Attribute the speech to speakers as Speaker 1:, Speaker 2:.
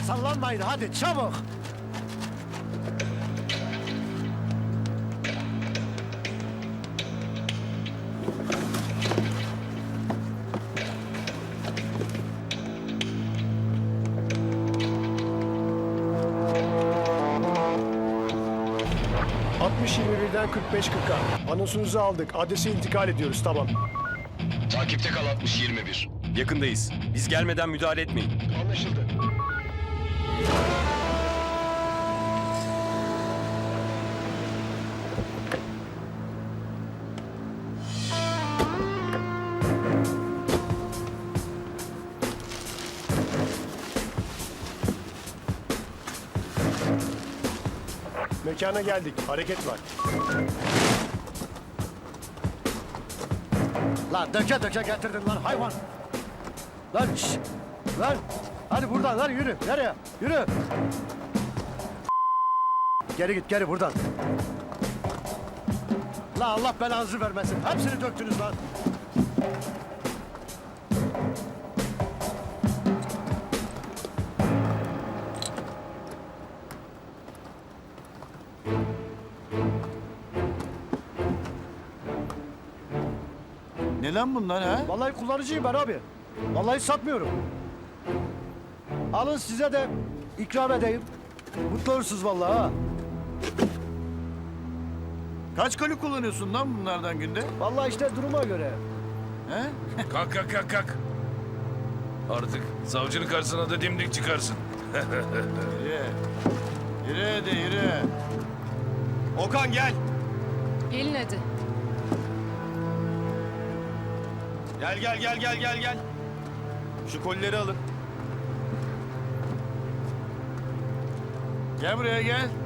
Speaker 1: Sallanmayın hadi çabuk. ...60-21'den 45-40'a. Anonsunuzu aldık. Adrese intikal ediyoruz. Tamam.
Speaker 2: Takipte kal 60-21.
Speaker 3: Yakındayız. Biz gelmeden müdahale etmeyin.
Speaker 1: Anlaşıldı. Mekana geldik. Hareket var. Lan döke döke getirdin lan hayvan. Lan şşş. Lan. Hadi buradan lan yürü. Nereye? Yürü. Geri git geri buradan. La Allah belanızı vermesin. Hepsini döktünüz lan.
Speaker 4: Ne lan bunlar ha?
Speaker 1: Vallahi kullanıcıyım ben abi. Vallahi satmıyorum. Alın size de ikram edeyim. Mutlu olursunuz vallahi ha.
Speaker 4: Kaç koli kullanıyorsun lan bunlardan günde?
Speaker 1: Vallahi işte duruma göre.
Speaker 4: He?
Speaker 5: Kalk kalk kalk kalk. Artık savcının karşısına da dimdik çıkarsın.
Speaker 4: Yürü. Yürü hadi yürü.
Speaker 3: Okan gel.
Speaker 6: Gelin hadi.
Speaker 3: Gel. Şu kolileri alın.
Speaker 4: Gel buraya gel.